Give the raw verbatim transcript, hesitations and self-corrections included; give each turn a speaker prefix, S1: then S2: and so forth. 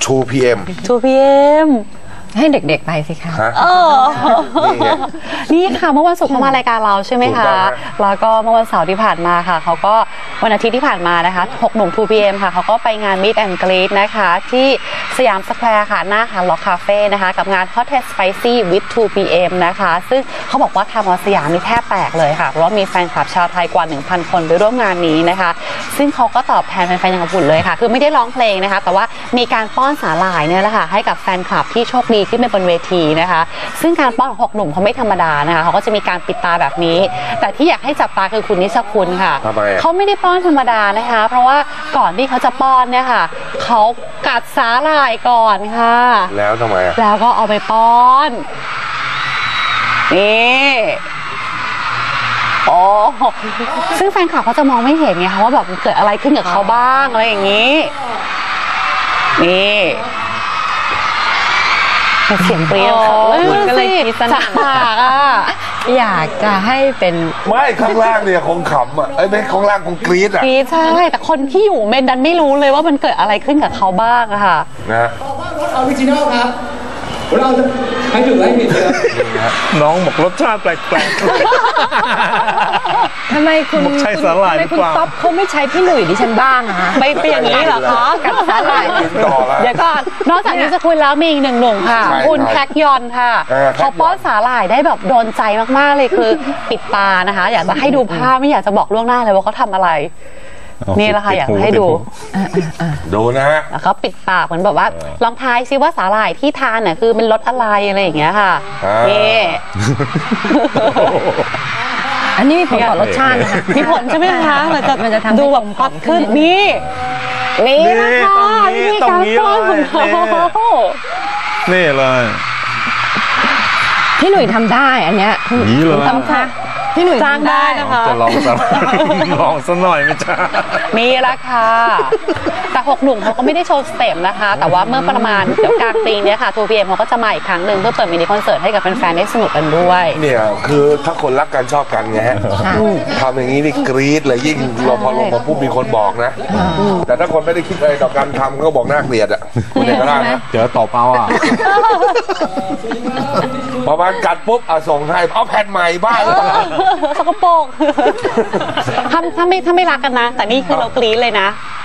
S1: ทู พี เอ็ม
S2: ทู พี เอ็ม
S3: ให้เด็กๆไปสิคะ
S2: เออนี่ค่ะเมื่อวันศุกร์เขามารายการเราใช่ไหมคะแล้วก็เมื่อวันเสาร์ที่ผ่านมาค่ะเขาก็วันอาทิตย์ที่ผ่านมานะคะหกหนุ่ม ทู พี เอ็ม ค่ะเขาก็ไปงาน Meet and Greet นะคะที่สยามสแควร์ค่ะหน้าฮาร์ดล็อกคาเฟ่นะคะกับงาน Hot and Spicy with ทู พี เอ็ม นะคะซึ่งเขาบอกว่าทางสยามนี่แทบแตกเลยค่ะเพราะว่ามีแฟนคลับชาวไทยกว่า หนึ่งพัน คนไปร่วมงานนี้นะคะซึ่งเขาก็ตอบแทนแฟนๆอย่างอบอุ่นเลยค่ะคือไม่ได้ร้องเพลงนะคะแต่ว่ามีการป้อนสาหร่ายเนี่ยแหละค่ะให้กับแฟนคลับที่โชคดีขึ้นไปบนเวทีนะคะซึ่งการป้อนของหกหนุ่มเขาไม่ธรรมดานะคะเขาก็จะมีการปิดตาแบบนี้แต่ที่อยากให้จับตาคือคุณนิชคุณค่ะเขาไม่ได้ป้อนธรรมดานะคะเพราะว่าก่อนที่เขาจะป้อนเนี่ยค่ะเขากัดสาหร่ายก่อนค่ะ
S1: แล้วทำไม
S2: แล้วก็เอาไปป้อนนี่โอ้ซึ่งแฟนคลับเขาจะมองไม่เห็นไงคะว่าแบบเกิดอะไรขึ้นกับเขาบ้างอะไรอย่างนี้นี่เสียงเปรี้ยว
S3: คุณก็เลยคิดสนักอ่ะอยากจะให้เป็น
S1: ไม่ข้างล่างเนี่ยคงขำอ่ะไอ้ไม่ข้างล่างคงกรี๊ดอ่ะ
S2: กรี๊ดใช่แต่คนที่อยู่เมนดันไม่รู้เลยว่ามันเกิดอะไรขึ้นกับเขาบ้างอะค่ะ
S1: นะ
S4: รสออริจินอลครับเราจะให้ถูกให้ผิดเลย
S5: น้องบอกรสชาติแปลก
S3: ๆทำไมคุณ
S5: ใช้สาหร่ายหรือเปล่า
S3: คุณต๊อบเขาไม่ใช้พี่หนุ่ยดิฉันบ้างอะคะ
S2: ไม่เป็นอย่างนี้เหรอคะ
S3: กับสาหร่าย
S2: เดี๋ยวก่อนนอกจากนี้จะคุยแล้วมีอีกหนึ่งหนุ่มค่ะคุณแพ็กยอนค่ะเขาป้อนสาหร่ายได้แบบโดนใจมากๆเลยคือปิดตานะคะอยากจะให้ดูภาพไม่อยากจะบอกล่วงหน้าเลยว่าเขาทำอะไรนี่แหละค่ะอยากให้ดู
S1: ดูนะฮะ
S2: เขาปิดปากเหมือนแบบว่าลองทายซิว่าสาหร่ายที่ทานน่ะคือเป็นรสอะไรอะไรอย่างเงี้ยค่ะนี่
S3: อันนี้มีผลต่อรสชาตินะคะ
S2: มีผลใช่ไหมคะมันจะ
S3: มันจะทำ
S2: ดูแบบฮอตขึ้นนี่นี่นะคะนี่การป้อนของเขา
S5: นี่เลย
S3: พี่หนุ่ยทำได้อันเนี้ย
S5: นี่เลย
S3: ทำค่ะพี่หนุ่ย
S2: จ้างได้นะคะ
S5: จะลองสักลองสักหน่อยไหมจ๊ะ
S2: มีละค่ะแต่หกหนุ่มเขาก็ไม่ได้โชว์สเต็ปนะคะแต่ว่าเมื่อประมาณเดี๋ยวกลางปีนี้ค่ะ ทู พี เอ็ม เขาก็จะมาอีกครั้งหนึ่งเพื่อเปิดมินิคอนเสิร์ตให้กับแฟนๆได้สนุกกันด้วย
S1: เนี่ยคือถ้าคนรักกันชอบกันไงฮะทำอย่างนี้นี่กรี๊ดเลยยิ่งเราพอลงมาปุ๊บมีคนบอกนะแต่ถ้าคนไม่ได้คิดอะไรต่อการทำก็บอกน่าเกลียดอ่ะคุณเอกราชนะ
S5: เจอตบเอาอ่ะ
S1: ประมาณกัดปุ๊บเอาส่งให้เอาแผ่นใหม่บ้าง
S2: สกปรกถ้าถ้าไม่ถ้าไม่รักกันนะแต่นี่คือเรากรี๊ดเลยนะ